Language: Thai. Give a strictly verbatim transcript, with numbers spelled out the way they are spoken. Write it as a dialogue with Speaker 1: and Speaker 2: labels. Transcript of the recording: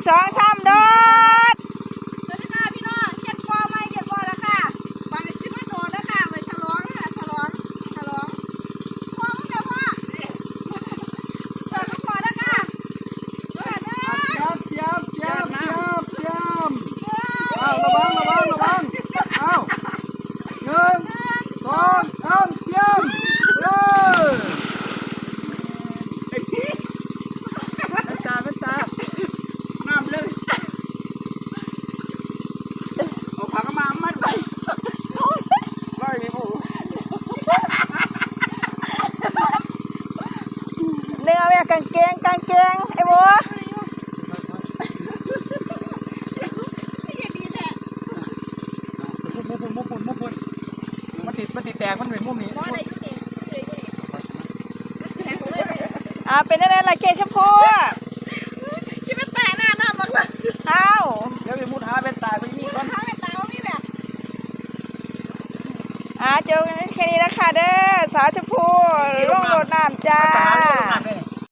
Speaker 1: สองสามโดด
Speaker 2: สวัสดีค่ะพี่น้องเจ็ดปอไม่เจ็ดปอแล้วค่ะบางทีมาโดดแล้วค่ะไปฉลองค่ะฉลองฉลองพ่อมึงเดี๋ยวพ่อเปิดลูกก่อนแล้วค่ะเปิดเด้อ
Speaker 3: เจียบเจียบเจียบเจียบเจียบอ้าวระวังระวังระวังอ้าวหนึ่งสองสามเจียบเลยเป็นตาเป็นตาน้ำเลยเอาผักมามัดไปไล่โอ้
Speaker 1: เนื้อแม่กางเกงกางเกงไอ้บัว
Speaker 3: มุมมุมมุมมุมมุมมุมมันติดมันติดแตกมันเป็นมุมนี้
Speaker 1: อ่าเป็นอะไรล่ะเกชมพู
Speaker 2: คิดว่าแต่หน้าหน้ามันเลย
Speaker 1: อ้าว
Speaker 3: เดี๋ยวไปมุดหาเป็นตาไปยี่ก้อน
Speaker 2: ถ้าเป็นตาว่ามีแบบ
Speaker 1: อ่าเจอกันแค่นี้นะคะเด้อสาวชมพูร่วงโดดน้ำจ้า